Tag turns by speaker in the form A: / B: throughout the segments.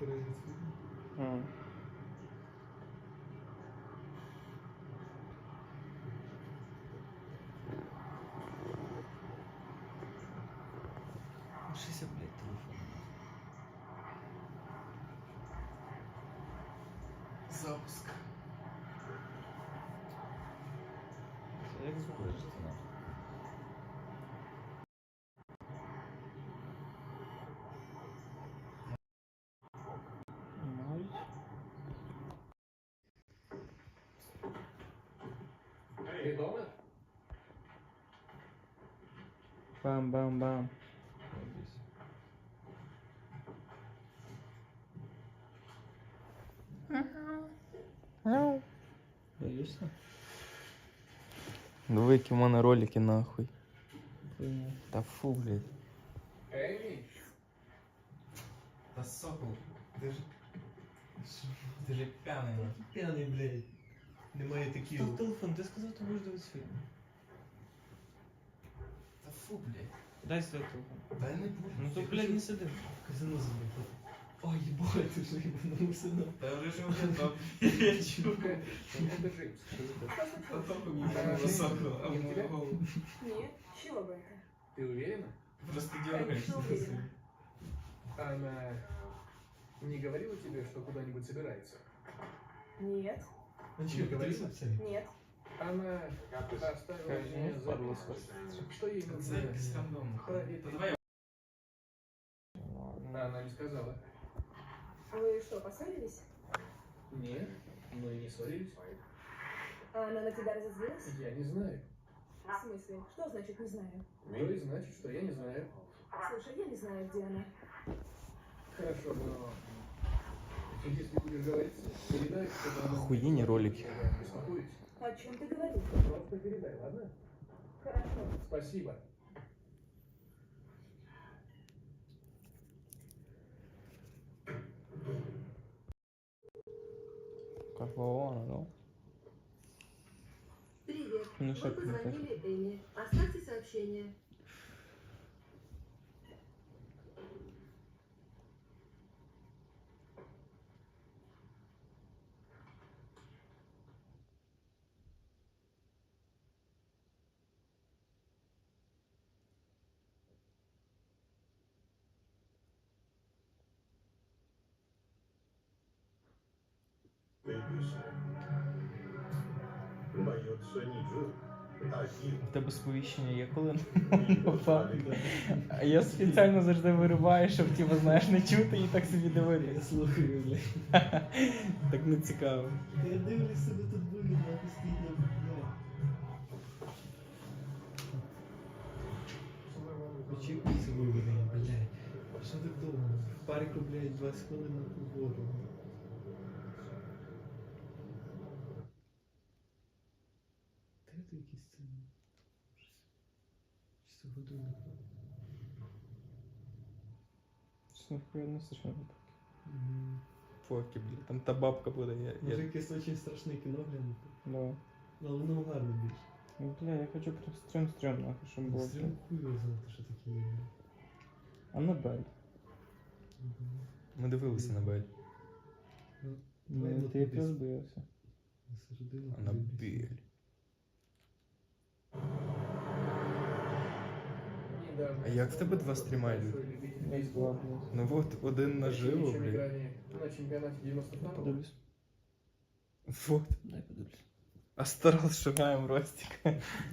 A: А.
B: Лишися, блядь, телефон.
C: Запуск.
B: Це як збережете, нахуй?
A: Мають.
C: Ты дома?
A: Бам-бам-бам.
B: Робись.
A: Боишься?
B: Диви, які в мене ролики, нахуй.
A: Понял.
B: Та фу, блядь.
C: Эми?
B: Та сокол, ти ж п'яний, нахуй.
D: П'яний, блядь. Немає таких.
B: Став телефон, ти сказав, ти будеш дивитися фільм. Та фу, блядь.
A: Дай свой телефон.
B: Дай не буду.
A: Ну то, блядь, не сиди.
D: Казино забив. Ой, ебать, ти ж їбанувся на.
B: Та вже ж вже так.
D: Я чую.
C: Это Джеймс.
B: Та тільки мені було сокол, а в мою голову.
E: Нет, чего бы это?
C: Ты уверена?
B: Просто
E: Конечно,
B: дергаєшся.
E: уверена.
C: Она не говорила тебе, что куда-нибудь собирается?
E: Нет,
D: Ну чого, подивися в це?
E: нет.
C: Она оставила мне
B: Падла
C: записку, что ей
B: Це
C: нужно
B: якось рандомно.
C: проверить.
B: Та давай.
C: Она не сказала.
E: Вы что, поссорились?
C: Нет, мы не ссорились.
E: А она на тебя разозлилась?
C: Я не знаю.
E: В смысле? Что значит не знаю?
C: То и значит, что я не знаю.
E: Слушай, я не знаю, где она.
C: Хорошо, но если будешь говорить, передай, чтобы она...
B: Охуенные ролики.
C: Я беспокоюсь.
E: О чем ты говоришь?
C: Просто передай, ладно?
E: Хорошо.
C: Спасибо.
B: Какого, ну?
F: Привет.
A: Ну,
F: Вы
A: что,
F: позвонили Эми. Оставьте сообщение.
B: У тебе сповіщення є коли попав? А я спеціально завжди вирубаю, щоб типу, знаєш, не чути і так собі
D: Я
B: дивитися.
D: слухаю, блядь.
B: Так не цікаво.
D: Я дивлюсь себе тут вигідно, нахуй стоїть на блядь. Очікується виведення, блядь. Що так довго? В парку, блядь, 20 хвилин на погоду. Де ти якісь це? Чисто годину.
A: Что нихуя не слышно.
B: Фоки, блядь, там та бабка буде.
D: Може якесь дуже страшне кіно глянути?
A: Да.
D: Але воно гарно більше.
A: Ну, бля, я хочу прям стрём нахуй, чтобы было.
D: Стрім хуй його знати, що таке є.
A: Аннабель.
B: Ми дивилися на Бель.
A: Ну,
D: Ладно,
A: ты
D: кудись.
A: разбился.
D: На середину.
B: На
D: подивлюсь.
B: Бель.
C: Недавно
B: А як в тебе два стріма йдуть?
C: большой любитель
A: Я
C: бейсбола.
A: сглавлюсь.
B: Ну вот, один наживо,
C: Чем
B: блядь.
C: играли на чемпионате 92-го.
A: Подивлюсь.
B: Вот.
A: Дай подивлюсь.
B: Астрал шугаємо Ростик.
D: Та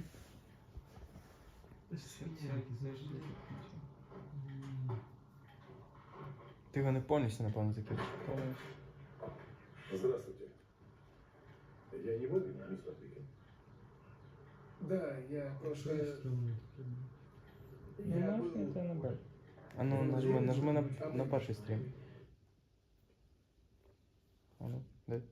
D: щось хуйня якісь, знаєш,
B: Ти його не повністю, напевно, закинеш.
A: Полностью.
G: Здравствуйте. Я не вовремя, мистер Пикин.
C: Да, я просто...
D: стрьомне таке.
A: Ну,
C: Я
A: нахуй
C: был...
A: это Аннабель.
B: А ну, нажми на перший стрім. А ну, дай.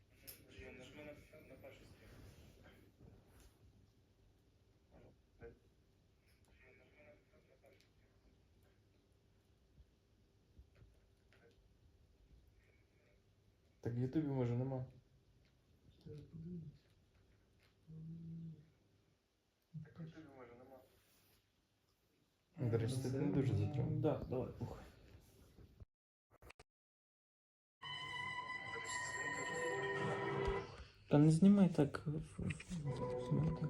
B: Так в Ютубі може нема.
D: Зараз подивлюсь.
B: До речі, це не дуже затримано.
A: Да, давай, похуй. Та не знімай так. Знімай так.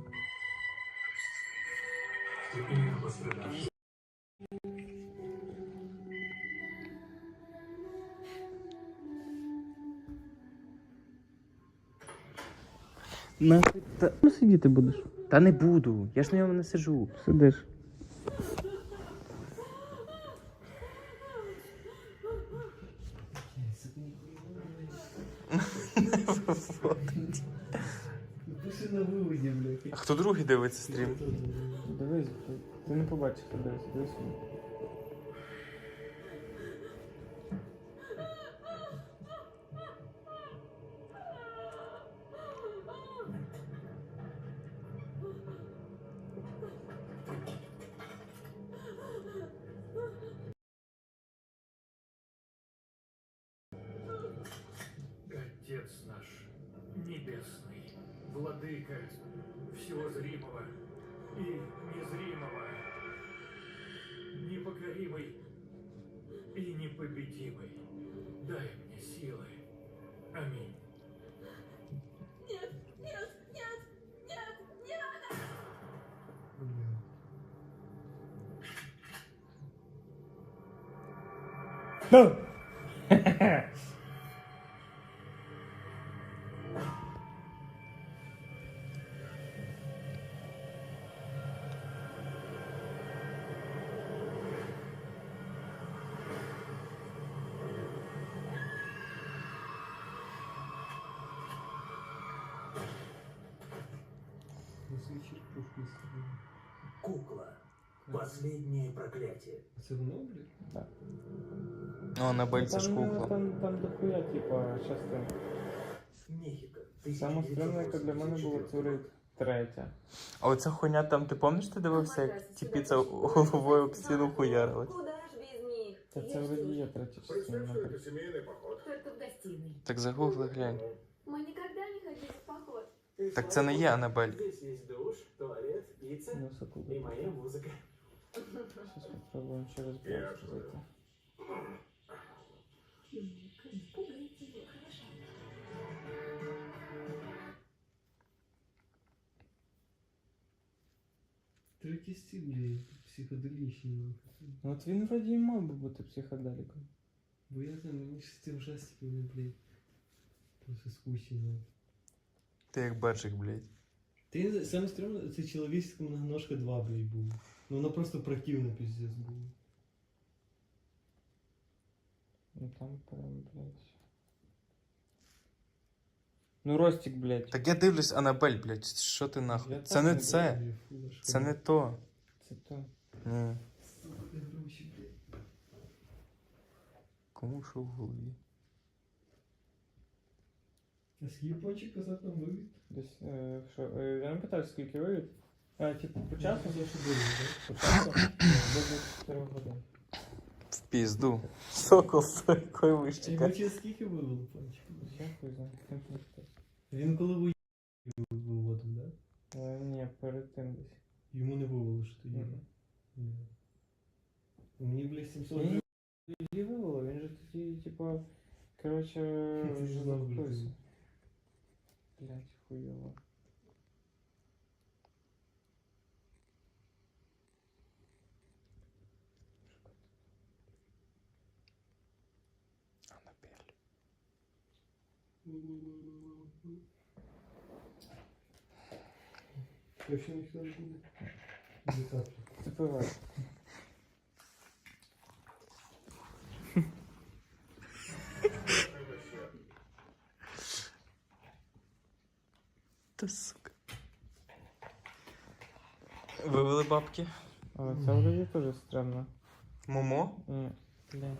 A: Нахуй, та сидіти будеш?
B: Та не буду, я ж на ньому не сижу.
A: Сидиш.
D: Пиши на виводі, блядь.
B: А хто другий дивиться стрім?
A: Дивись, ти не побачиш, дивись.
H: Отец наш, небесный, владыка всего зримого и незримого, непокоримый и непобедимый, дай мне силы. Аминь.
I: Кукла. Последнее проклятие.
D: Це воно, блядь?
B: О, Аннабель, це ж кукла.
A: Там дохуя, типа, часто.
I: Мехико.
A: Саме стрімне, яке для мене було, це вже третя.
B: А оця хуйня там, ти пам'ятаєш, ти дивився, як тіпіця головою об стіну хуярили?
F: Куда ж без них?
A: Та це вже є третя частина.
G: Представь, что это семейный поход.
F: Только в гостиной.
B: Так загугли, глянь.
F: Мы никогда не ходили в поход.
B: Так це не є Аннабель.
I: Здесь есть душ, туалет, пицца
A: Ну, секунду.
I: и моя музыка.
A: Сейчас попробуем через
G: Я
A: блок
G: же
A: зайти.
F: Пугайте его, хорошо.
D: Третій стиль, блядь, психоделічний, нахуй.
A: Ну от він вроді і мав би бути психоделіком.
D: Бо я знаю, мені ж з цим ужастиком, не, блядь, просто скучно.
B: Ти як баджик, блядь.
D: Ти саме стрімно, це чоловічська многоножка 2, блядь, був. Ну вона просто противна пиздец була.
A: Ну там прям, блядь. Ну Ростик, блядь.
B: Так я дивлюсь Аннабель, блядь, що ти нахуй?
A: Я
B: Це
A: так
B: не
A: не
B: це.
D: Блядь, фу, аж
B: Це не то.
A: Це то.
B: Ні.
D: Сука, гроші, блядь.
B: Кому що в голові?
D: А скільки пончик казав нам вивід?
A: Десь, що, я не питаю, скільки вивід? Типу, по часу?
D: Я ще думаю,
A: По часу? До 24 годин.
B: В пізду. Сокол з якої
D: так?
B: вищика.
D: Йому через скільки вивело пончик?
A: Я хуй знаю, хто не питає.
D: Він коли виводив, да?
A: Ні, перед тим десь.
D: Йому не вивело, що тоді.
A: Мгм.
D: Ні. Мені, блядь, 700
A: Ні,
D: гривень.
A: Її вивело, він же тоді, типа, короче,
D: Ти ж знав,
A: запустився.
D: блядь.
A: Блядь, хуйово.
B: Аннабель.
D: Вообще ніхто не буде. Буде так.
A: Запивай.
B: Та сука. Вивели бабки.
A: Але це вроді теж странно.
B: Момо?
A: Ні, блядь.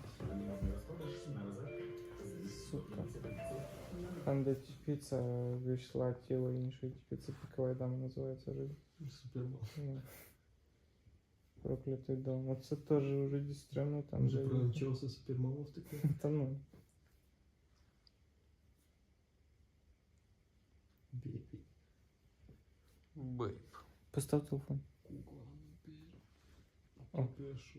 A: Сука. Там, де піца вийшла тіло іншої піци, пікова дама називається вроді.
D: Суперман.
A: Ну. Проклятий дом. Оце теж вроді странно, там
D: Може
A: де...
D: провчався супермамов таке?
A: Та ну.
D: Бейбі.
B: Бейб.
A: Постав телефон.
D: Кукла.
A: О.
D: Пишу.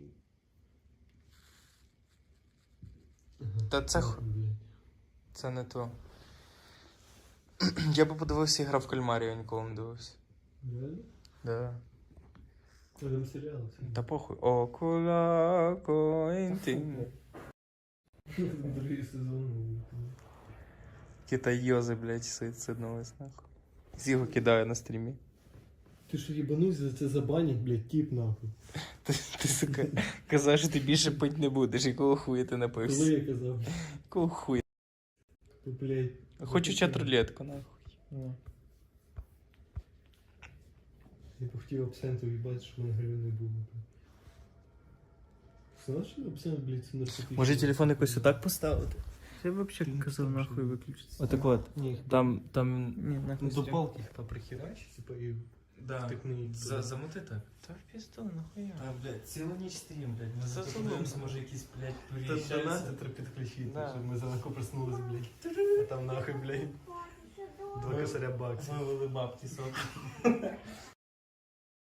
B: Та це
D: Блядь.
B: Це не то. Я би подивився «Гра в кальмарі», я ніколи не дивився.
D: Реально?
B: Да.
D: Це там серіал.
B: Та похуй. Окула коінтін.
D: Другий сезон.
B: Кита Йози, блядь, суїциднулись нахуй. Його кидаю на стрімі.
D: Ти що їбанусь, за це забанять, блядь, тіп нахуй.
B: Ти, сука, казав, що ти більше пить не будеш. Якого хуя ти
D: Коли
B: напився?
D: я казав,
B: Якого хуя?
D: то, блядь.
B: Хочу чат-рулетку, нахуй.
A: Ні.
D: Я б хотів абсенту їбати, щоб в мене гривень не було. Знаєш, що абсент, блядь, це наркотичний?
B: Може телефон якось отак поставити? Я б
D: Ти
B: взагалі
D: не
B: казав
D: сказав,
B: нахуй
D: що-
B: виключитися. Отак от.
D: Ні,
B: Там... Ні,
D: ну,
B: нахуй.
D: до палки та прихерачить, типа, і
B: Да.
D: втикни її туди.
B: Замути так? Та в пізду, нахуя.
D: Та, блядь, цілу ніч стрім, блядь. Ми
B: Це
D: подивимося, може якісь, блядь, донатитор підключити,
B: Да.
D: щоб ми зранку проснулись, блядь. А там нахуй, блядь, 2 косаря баксів.
B: Вивели бабки соки.